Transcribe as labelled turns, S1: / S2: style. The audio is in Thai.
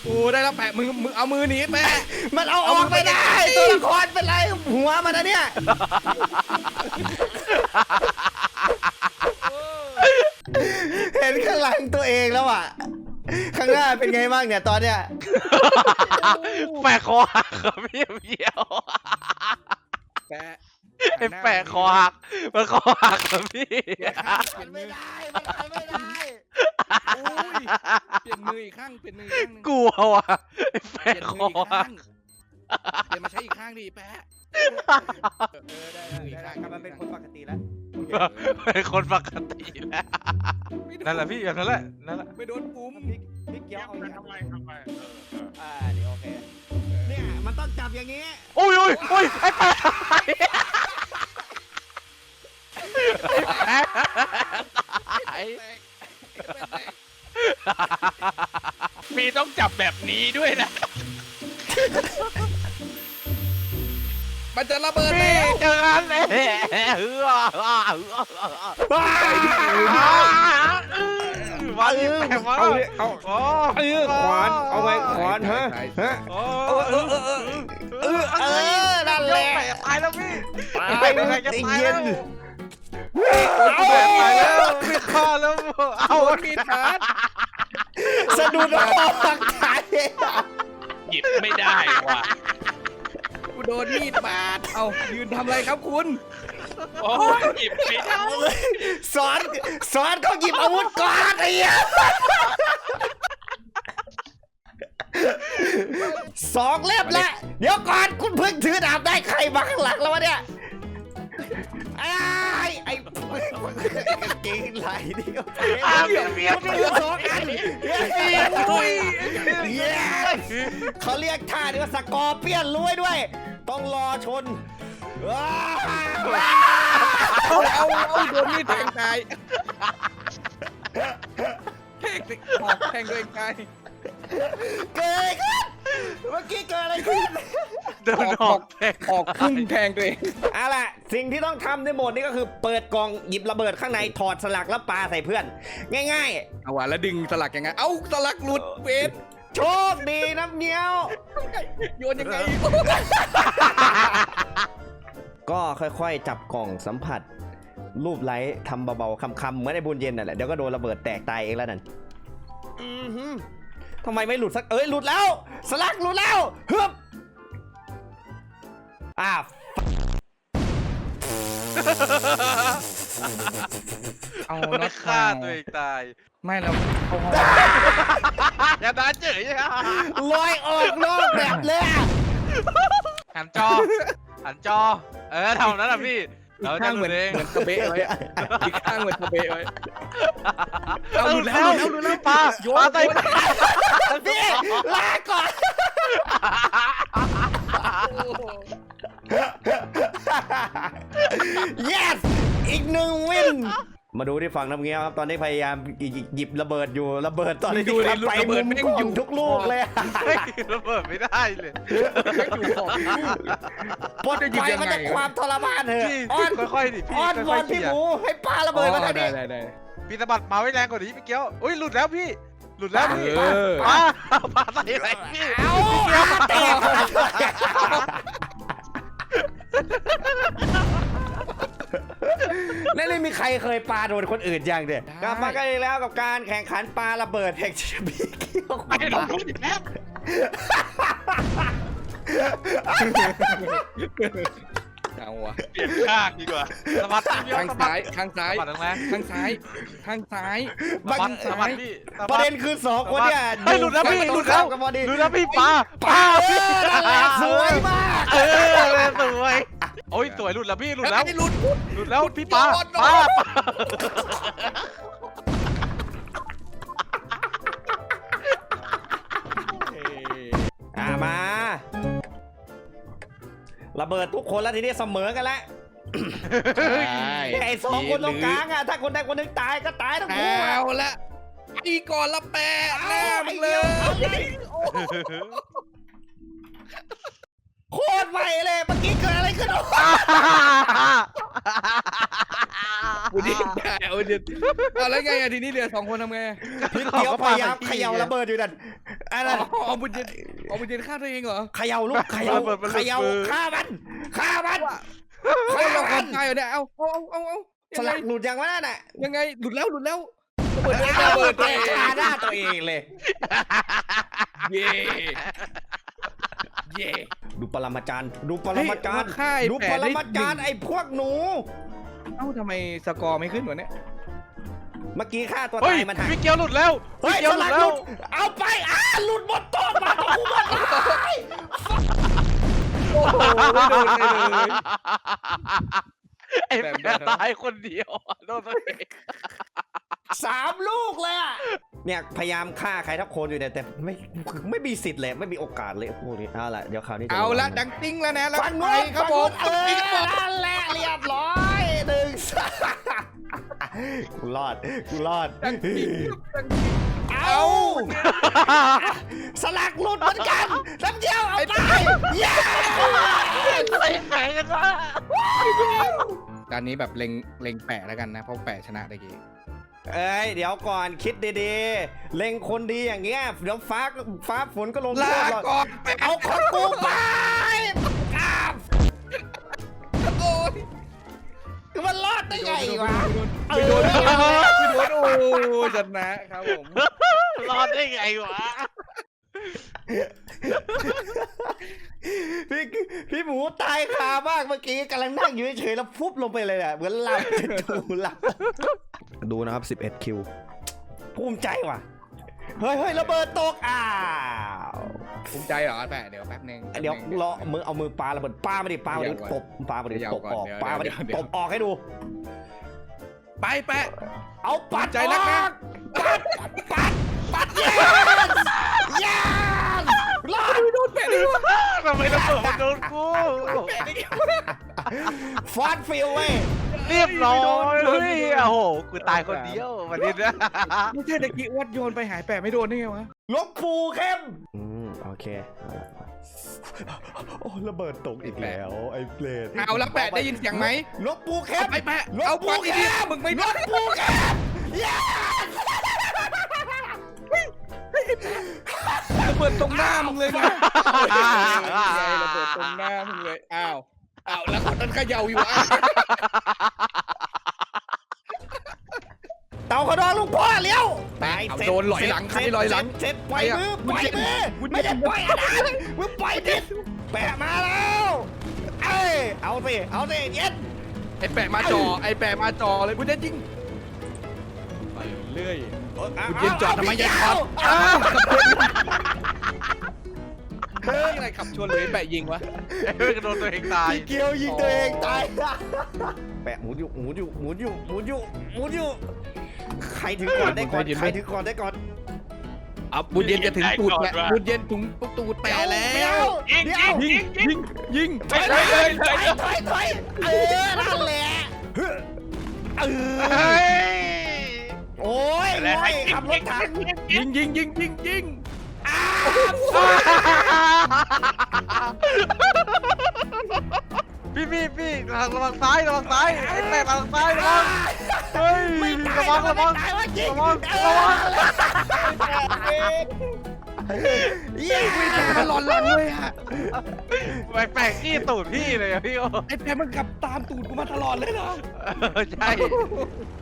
S1: โอ้ได้แล้วแปะมึงเอามือหนีแปะ
S2: มันเอาออกไม่ได้ตัวละครเป็นไรหัวมันนะเนี่ยเห็นข้างหลังตัวเองแล้วอ่ะข้างหน้าเป็นไงบ้างเนี่ยตอนเนี้ย
S3: แปะคอหักครับพี่เบี้ยว
S1: แปะ
S3: ไอ้แปะคอหักมันคอหักครับพี่
S2: มันไม่ได้มันไม่ได้
S1: โอ้ยเปลี่ยนมืออีกข้างเปลี่ยนมืออีกข้างหนึง
S3: กลัวว่ะไอ้
S1: เป
S3: แปะ
S1: ลี่ยน
S3: ค
S1: มื
S3: อ
S1: ออีก
S3: หั
S1: ข้าก งเปลี่ยนมาใช้อีกข้างดิแปะได้
S2: กลับมาเป็นคนปกติแล้ว
S3: เป็นคนปกติแล้วนั่นแหละพี่แบบนั้นแหละนั่นแหละ
S1: ไม่โดนปุ่ม
S2: พี่เกี้ยวเอาอย่าง
S4: ทำไม
S2: เดี๋ยวโอเคเนี่ยมันต้องจับอย่างนี้
S3: โอ้ยไอ้แปะตาย
S4: มีต้องจับแบบนี้ด้วยนะ
S1: มันจะระเบิด
S3: พี่
S1: แล้ว
S3: เจอกันเลยมาดิแปะมา
S1: เอา
S3: โอ้
S2: ขวานเอาไว้ขวานฮะฮะนั่นแหละ
S3: แปะตายแล้วพี่
S2: ตาย
S3: แปะจะ
S2: ไอ้
S3: ตาย
S2: เย็
S3: แล้ว
S2: น
S3: แปะตายแล้วพี่ฆ่าแล้วเอา
S1: โดนมีดบาด
S2: สะดุดออกตาย
S4: หยิบไม่ได้ว่ะ
S1: กูโดนมีดบาดเอายืนทำอะไรครับคุณ
S4: โอ้ยหยิบไม่ได้
S2: สอนเขาหยิบอาวุธก่อนไอ้เหี้ยสองเล่มละเดี๋ยวก่อนคุณเพิ่งถือดาบได้ใครมาข้างหลังแล้ววะเนี่ยไอ้เก่งไหลนี่ก็เปียกสองอันเขาเรียกท่านี้ว่าสกอร์เปียนรวยด้วย ต้องรอชน
S1: เอาโดนมีดแทงตายแทงตัวเองตาย
S2: เกิดอะไรขึ้นเมื่อกี้เกิดอะไรขึ้น
S3: เดินออกแทง
S1: ออกพุ่งแทงตัวเอง
S2: เอาล่ะสิ่งที่ต้องทำในโหมดนี้ก็คือเปิดกล่องหยิบระเบิดข้างในถอดสลักแล้วปาใส่เพื่อน ง่าย
S1: เอาว่ะแล้วดึงสลักยังไงเอาสลักหลุดเวท
S2: ๆ โชคดีน้ำเงี้ยว
S1: โยนยังไง
S2: ก็ค่อยๆ จับกล่องสัมผัส รูปไล้ทำเบาๆคำๆเหมือนไอ้บุญเย็นนั่นแหละเดี๋ยวก็โดนระเบิดแตกตายเองแล้วนั่นทำไมไม่หลุดสักหลุดแล้ว สลักหลุดแล้วฮึบ
S1: เอา
S3: ไม่ฆ่าตัวเองตาย
S1: ไม่เราเขา
S3: อย่าด่าเฉย
S2: ลอยออกนอกแบบเลยอะ
S3: หันจอทำนั้นอ่ะพี่เราจะ
S1: ข้าง
S3: ห
S1: เห
S3: ลุ
S1: มือ
S3: ด
S1: น
S3: เอง
S1: ตะเบะไว้อีกข้างเหมือนตะเบะไว้
S3: เอาหลุดแล้วปลาใส่
S2: พี่ลาก่อน yes อีกหนึ่งวิน มาดูที่ฝั่งน้ำเงี้ยวครับ ตอนนี้พยายามหยิบระเบิดอยู่ระเบิดตอนนี้
S1: ดูดิ
S2: ไป
S1: ระเบิ
S2: มุ
S1: ด
S2: ม
S1: แม่ง
S2: กล้
S1: อ
S2: อยู่ งทุกลูกเลยอะ
S3: ระเบิดไม่ได้เลย
S1: อยู่ของ
S2: ปลด
S1: จะหยิบ
S2: ไฟ
S1: ยังไง
S2: มันจะความทรมานเถอะ
S3: พี่
S2: อ้อน
S3: ค่อยๆดิพี่
S2: อ้อนว
S3: ค่
S2: อ
S3: อย
S2: น
S3: ๆ
S2: พี่
S3: เขี่ย
S2: หมูให้ปาระเบิดมาทางนี้
S1: ได้
S3: พี่สะบัดมาไว้แรงกว่านี้พี่เกี้ยวอุ้ยหลุดแล้วพี่หลุดแล้วพี่
S1: เออ
S3: ปลาใส่อะไรพี่
S2: เอาแตกนั่นไม่มีใครเคยปาโดนคนอื่นยังเด็ดกลับมากันอีกแล้วกับการแข่งขันปาระเบิดแห่งชีวิตเกี่ยว
S4: ไม่ได้ลงทุนอีกแล้ว
S1: เอาวะ
S4: เปลี่ยนข้างดีกว่า
S3: สะบัดพี่เกี้ยว
S1: ข้าง
S3: สะบั
S1: ซ้า
S3: ด
S1: ยข้างซ้าย
S3: สะบัดแรง
S1: ข้างซ้ายข้างซ้าย
S3: สะบัดสะบัดพี่สะ
S2: ป
S3: บั
S2: ระ
S3: ด
S2: เด็นคือสองคนเนี่ย
S3: เฮ้ยหลุดแล้วพี่หลุดแล้ว
S2: กับบอดี้
S3: หลุดแล้วพี่ปลา
S2: นั่นแหละสวยมาก
S3: สวยโอ้ยสวยหลุดแล้วพี่หลุดแล้ว
S1: หลุด
S3: หลุดแล้วพี่ปลา
S1: โดน
S3: ปลา
S2: มาระเบิดทุกคนแล้วทีนี้เสมอกันแล้วไอ้สองคนตรงกลางอ่ะถ้าคนใดคนหนึ่งตายก็ตายทั้งคู่
S1: เอาละอีก่อนละแปะแน่มึงเลย
S2: โคตรไวเลยเมื่อกี้เกิดอะไรขึ้น
S1: บุญเย็นได้บุญเย็นเอาแล้วไงอะทีนี้เหลือ2 คนทำไง
S2: พี่เกียวพยายามเขย่าระเบิดอยู่นั่นอะไร
S1: อ๋อบุญเย็นบุญเย็นฆ่าตัวเองเหรอ
S2: เขย่าลูกเขย่าฆ่ามันฆ่ามัน
S1: เราคนตายเหรอเนี่ยเอา
S2: สลักหลุดยังวะนั่นน่ะ
S1: ยังไงหลุดแล้วระเบิด
S2: ระเบิดตัวเองคาหน้าตัวเองเลย
S1: เย่เย่
S2: ดูปรมาจารย์ดูปรมาจารย์
S1: ค่าย
S2: ดูปรมาจารย์ไอ้พวกหนู
S1: เอ้าทำไมสกอร์ไม่ขึ้นวะเนี่ย
S2: เมื่อกี้ฆ่าตัว
S4: เฮ้ย
S2: ตายมันหัก
S4: พี่เกียวหลุดแล้ว
S2: เฮ้ย
S4: พี่เกียว
S2: ส
S4: หลุ
S2: ลั
S4: ด
S2: ก
S4: แล้
S2: ห
S4: ว
S2: ลุดเอาไปหลุดหมดต้นมาตกูหมดเลย
S1: โอ้โหโดนเลย
S4: ไอ้แม่ตายคนเดียวโดนตัวเอง
S2: 3 ลูกเลยอะเนี่ยพยายามฆ่าใครทักคนอยู่เนี่ยแต่ไม่มีสิทธิ์เลยไม่มีโอกาสเลยพวกนี้เอาล่ะเดี๋ยวคราวนี้จ
S1: เอาละดังติ้งแล้วนะแล้ว
S2: ฟัง
S1: ไป
S2: นู้น
S1: ครับผม
S2: นั่นแหละเรียบร้อยกูรอดเอาสลักหลุดเหมือนกันน้ำเดียวเอาไปเย้
S4: อะไรแข่งกันวะ
S1: การนี้แบบเล็งแปะแล้วกันนะเพราะแปะชนะตะกี้
S2: เอ้ยเดี๋ยวก่อนคิดดีๆเล็งคนดีอย่างเงี้ยเดี๋ยวฟ้าฝนก็ลง
S1: ลา
S2: โทษหรอก
S1: ก่อน
S2: เอาของกูไปอ้าว
S1: โอ้ย
S2: มันรอดได้ไงวะ
S1: ไม่โดนโอ้ชนะครับผม
S4: รอดได้ไงวะ
S2: พี่หมูตายคามากเมื่อกี้กำลังนั่งอยู่เฉยๆแล้วฟุบลงไปเลยอ่ะเหมือนหลับหลับดูนะครับ11 คิวภูมิใจว่ะเฮ้ยระเบิดตกอ้าว
S1: ภูมิใจเหรอแปะเดี๋ยวแป๊บนึง
S2: เดี๋ยวรอมือเอามือปาระเบิดปามาดิตบปามาดิตบออกปามาดิตบออกให้ดู
S1: ไปแปะ
S2: เอาปัด
S1: ใจนักนะ
S2: ปัดเย้รอด
S1: โดนแปะดิวะ
S4: ทำไมระเบิดมันโดนกู
S2: ฟาดฟิลเว้ย
S4: เรียบร้อยเฮ้ยโอ้โหกูตายคนเดียววันนี้นะ
S1: ไม่ใช่ตะกี้วัดโยนไปหายแปะไม่โดนได้ไงวะ
S2: ลบปูเข้มโอเคโอ้ระเบิดตกอีกแล้วไอ้เปรต
S1: เอาแล้วแปะได้ยินเสียงไหม
S2: ลบปูเข้ม
S1: ไปแปะ
S2: ลบ
S1: เอา
S2: ปู
S1: ปักอีก
S2: เข้
S1: ที
S2: ม
S1: มึงไม่
S2: ล
S1: ได้
S2: บปูเข้มเย้
S1: ระเบิดตรงหน้ามึงเลยนะระเบิดตรงหน้ามึงเลยอ้าวแล้วคนนั้นเขย่าอยู่อ่ะ
S2: เต่าขนองลูกพ่อเลี้ยวตาย
S1: โดนลอยหลังใครลอยหลัง
S2: เสร็จปล่อยมือไม่ได้ปล่อยอะไรมึงปล่อยดิแปะมาแล้วเอ้ยเอาสิเย็น
S1: ไอ้แปะมาจอเลยคุณเด่นจริงไปเรื่อยคุณเย็นจอดทำไมยังขับเฮ้ยอะไรขับชนเลยแปะยิงวะ
S4: เฮ้ยโดนตัวเองตาย
S2: เกียวยิงตัวเองตายแปะหมุนอยู่ใครถึงก่อนได้ก่อน
S1: อ่ะบุญเย็นจะถึงตูดแหละบุญเย็นถึงตูดแปะแล้ว ยิง
S2: ถอยนั่นแหละ
S4: เฮ้ย
S2: โอ้ยขับรถถัง
S1: ยิง
S4: พี่ระวังซ้ายไอ้แม่ระวังซ้ายระวังเฮ้ยระวัง
S2: เย้
S1: มันหลอนหลังเลยอะ
S4: แปลกขี้ตูดพี่เลยอะพี่โอ้
S1: ไอ้แปะมันขับตามตูดกูมาตลอดเลยเหรอ
S4: ใช่